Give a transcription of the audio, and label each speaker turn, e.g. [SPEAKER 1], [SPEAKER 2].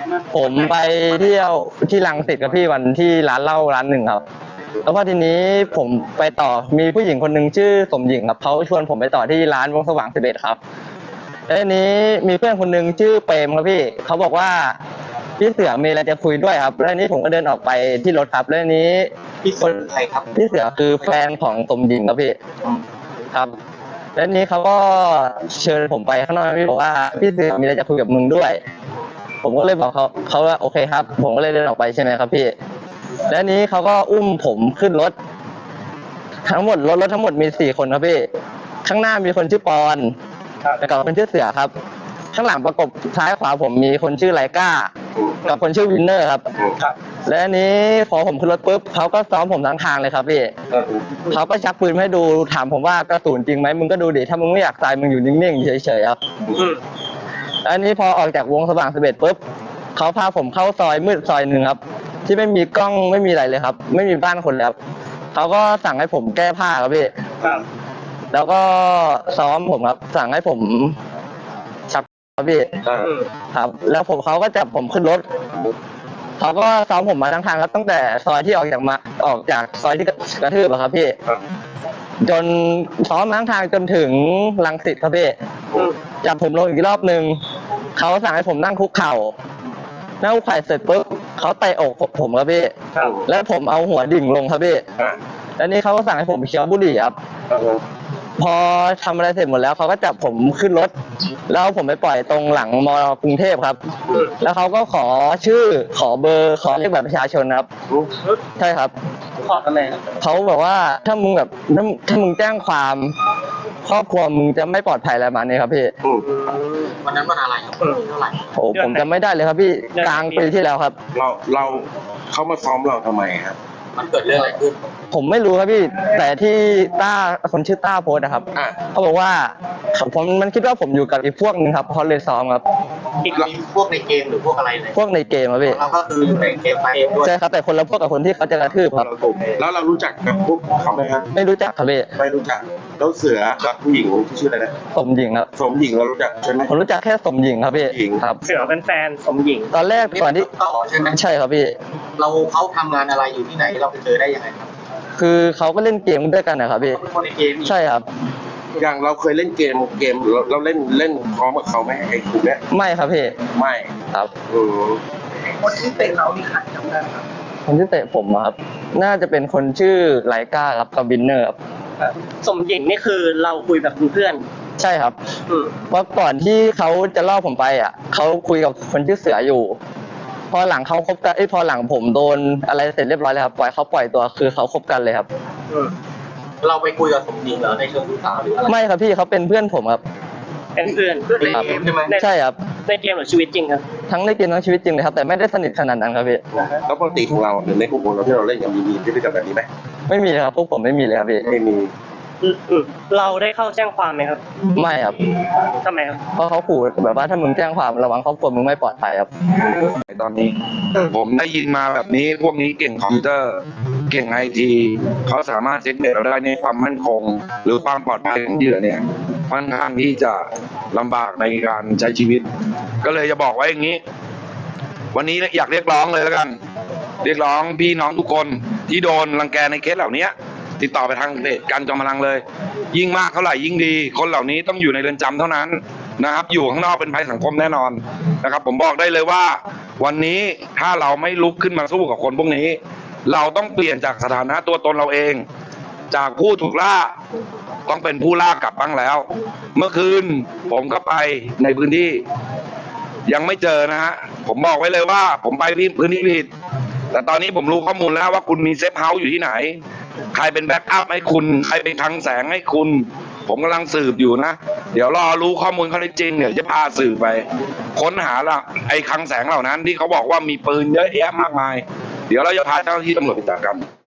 [SPEAKER 1] ผมไปเที่ยวที่รังสิตกับพี่วันที่ร้านเหล้าร้านหนึ่งครับแล้วพอทีนี้ผมไปต่อมีผู้หญิงคนหนึ่งชื่อสมหญิงครับเขาชวนผมไปต่อที่ร้านวงสว่าง11ครับแล้วทีนี้มีเพื่อนคนหนึ่งชื่อเปรมครับพี่เขาบอกว่าพี่เสือมีอะไรจะคุยด้วยครับแล้วทีนี้ผมก็เดินออกไปที่รถครับแล้วทีนี้
[SPEAKER 2] พี่คนใครครับ
[SPEAKER 1] พี่เสือคือแฟนของสมหญิงครับพี่ครับแล้วทีนี้เขาก็เชิญผมไปข้างนอกพี่บอกว่าพี่เสือมีอะไรจะคุยกับมึงด้วยผมก็เลยบอกเขาว่าโอเคครับผมก็เลยเดินออกไปใช่ไหมครับพี่แล้วนี้เขาก็อุ้มผมขึ้นรถทั้งหมดรถทั้งหมดมี4คนครับพี่ข้างหน้ามีคนชื่อปอนแล้วก็คนชื่อเสือครับข้างหลังประกบซ้ายขวาผมมีคนชื่อไลก้ากับคนชื่อวินเนอร์ครับและอันนี้พอผมขึ้นรถปุ๊บเขาก็ซ้อมผมทั้งทางเลยครับพี่เขาก็ชักปืนให้ดูถามผมว่ากระสุนจริงไหมมึงก็ดูดิถ้ามึงไม่อยากตายมึงอยู่นิ่งๆเฉยๆครับอันนี้พอออกจากวงสว่าง11ปุ๊บเขาพาผมเข้าซอยมืดซอยหนึ่งครับที่ไม่มีกล้องไม่มีอะไรเลยครับไม่มีบ้านคนแล้วเขาก็สั่งให้ผมแก้ผ้าครับพี่แล้วก็ซ้อมผมครับสั่งให้ผมชักครับพี่ครับแล้วเขาก็จับผมขึ้นรถเขาก็ซ้อมผมมาทั้งทางครับตั้งแต่ซอยที่ออกจากซอยที่กระทืบครับพี่จนซ้อมมาทั้งทางจนถึงรังสิตครับพี่จับผมลงอีกรอบนึงเขาสั่งให้ผมนั่งคุกเข่านั่งคุกเข่าเสร็จปุ๊บเขาเตะอกผมครับพี่แล้วผมเอาหัวดิ่งลงครับพี่แล้วนี่เขาก็สั่งให้ผมเคี้ยวบุหรี่ครับพอทำอะไรเสร็จหมดแล้วเขาก็จับผมขึ้นรถแล้วผมไปปล่อยตรงหลังมกรุงเทพครับแล้วเขาก็ขอชื่อขอเบอร์ขอเลขบัตรประชาชนครับใช่ครับ
[SPEAKER 2] ขอทำไม
[SPEAKER 1] เขาบอกว่าถ้ามึงแบบถ้ามึงแจ้งความครอบครัวมึงจะไม่ปลอดภัยอะไรมาเนี่ยครับพี่
[SPEAKER 2] วันนั้นวันอะไรครับเท่าไหร่
[SPEAKER 1] โอ้ผมจะไม่ได้เลยครับพี่กลางปีที่แล้วครับ
[SPEAKER 3] เราเขามาซ้อมเราทำไมครับ
[SPEAKER 2] มันเกิดเรื่องอะไรขึ้น
[SPEAKER 1] ผมไม่รู้ครับพี่แต่ที่คนชื่อต้าโพสต์นะครับเขาบอกว่ามันคิดว่าผมอยู่กับอีกพวกนึงครับเขาเลยซ้อมครับ
[SPEAKER 2] อีกพวกในเกมหรือพวกอะไรเลย
[SPEAKER 1] พวกในเกมครับพี่
[SPEAKER 2] เราก็คือในเกมไปเองด้วย
[SPEAKER 1] ใช่ครับแต่คนละพวกกับคนที่เขาจะกระทืบครับ
[SPEAKER 3] แล้วเรารู้จักกับพวกเขาไหมครับ
[SPEAKER 1] ไม่รู้จักครับพี่
[SPEAKER 3] ไม่รู้จักแล้วเสือกับผู้หญิงที่ชื่ออะไรนะ
[SPEAKER 1] สมหญิงครับ
[SPEAKER 3] สมหญิงเรารู้จักใช่ไหม
[SPEAKER 1] ผมรู้จักแค่สมหญิงครับพี่
[SPEAKER 2] ครับเสือเป็นแฟนสมหญิง
[SPEAKER 1] ตอนแรกก่อนที่
[SPEAKER 2] ใช่ไหม
[SPEAKER 1] ใช่ครับพี่
[SPEAKER 2] เขาทำงานอะไรอยู่ที่ไหนเราไปเจอได้ยังไงครับ
[SPEAKER 1] คือเขาก็เล่นเกมด้วยกันนะครับพี่ใช่ครับ
[SPEAKER 3] อย่างเราเคยเล่นเกมเราเล่นพร้อมกับเขาไหมไอ้กลุ่มเนี้ย
[SPEAKER 1] ไม่ครับพี่
[SPEAKER 3] ไม่
[SPEAKER 1] ครับ
[SPEAKER 2] คนที่เตะเรานี่ใครจำได้ครับ
[SPEAKER 1] คนที่เตะผมครับน่าจะเป็นคนชื่อไลก้าครับกับวินเนอร์ครับ
[SPEAKER 2] สมหญิงนี่คือเราคุยแบบเพื่อน
[SPEAKER 1] ใช่ครับว่าก่อนที่เขาจะล่อผมไปเขาคุยกับคนชื่อเสืออยู่พอหลังเขาคบกันพอหลังผมโดนอะไรเสร็จเรียบร้อยแล้วครับปล่อยตัวคือเขาคบกันเลยครับ
[SPEAKER 2] เราไปคุยกับสมหญิงเหรอในเชิงชู้สาวหรืออะไร
[SPEAKER 1] ไม่ครับพี่เขาเป็นเพื่อนผมครับ
[SPEAKER 2] เป็นเพื่อนในเกมใช่ไหม
[SPEAKER 1] ใช่ครับ
[SPEAKER 2] ในเกมหรือชีวิตจริงครับ
[SPEAKER 1] ทั้งในเกมทั้งชีวิตจริงเลยครับแต่ไม่ได้สนิทขนาดนั้นครับพี่
[SPEAKER 3] แล้วปกติของเราหรือในกลุ่มของเราที่เราเล่นยังมีพฤติกรรมแบบนี้ไหม
[SPEAKER 1] ไม่มีครับพวกผมไม่มีเลยครับพี่
[SPEAKER 3] ไม่มี
[SPEAKER 2] เราได้เข้าแจ้งความไหมครับ
[SPEAKER 1] ไม่ครับ
[SPEAKER 2] ทำไมครับ
[SPEAKER 1] เพราะเขาขู่แบบว่าถ้ามึงแจ้งความระวังครอบครัวมึงไม่ปลอดภัยครับ
[SPEAKER 3] ตอนนี้ผมได้ยินมาแบบนี้พวกนี้เก่งคอมพิวเตอร์เก่งITเขาสามารถเช็คเน็ตเราได้ในความมั่นคงหรือความปลอดภัยของเหยื่อเนี่ยค่อนข้างที่จะลำบากในการใช้ชีวิตก็เลยจะบอกไว้อย่างนี้วันนี้อยากเรียกร้องเลยแล้วกันเรียกร้องพี่น้องทุกคนที่โดนรังแกในเคสเหล่านี้ติดต่อไปทางเพจกันจอมพลังเลยยิ่งมากเท่าไหร่ยิ่งดีคนเหล่านี้ต้องอยู่ในเรือนจำเท่านั้นนะครับอยู่ข้างนอกเป็นภัยสังคมแน่นอนนะครับผมบอกได้เลยว่าวันนี้ถ้าเราไม่ลุกขึ้นมาสู้กับคนพวกนี้เราต้องเปลี่ยนจากสถานะตัวตนเราเองจากผู้ถูกล่าต้องเป็นผู้ล่ากลับบ้างแล้วเมื่อคืนผมก็ไปในพื้นที่ยังไม่เจอนะฮะผมบอกไว้เลยว่าผมไปพื้นที่ผิดแต่ตอนนี้ผมรู้ข้อมูลแล้วว่าคุณมีเซฟเฮาส์อยู่ที่ไหนใครเป็นแบ็กอัพให้คุณใครเป็นคลังแสงให้คุณผมกำลังสืบอยู่นะเดี๋ยวรอรู้ข้อมูลข้อเท็จจริงเดี๋ยวจะพาสืบไปค้นหาไอ้คลังแสงเหล่านั้นที่เขาบอกว่ามีปืนเยอะแยะมากมายเดี๋ยวเราจะพาเจ้าหน้าที่ตำรวจไปจับกัน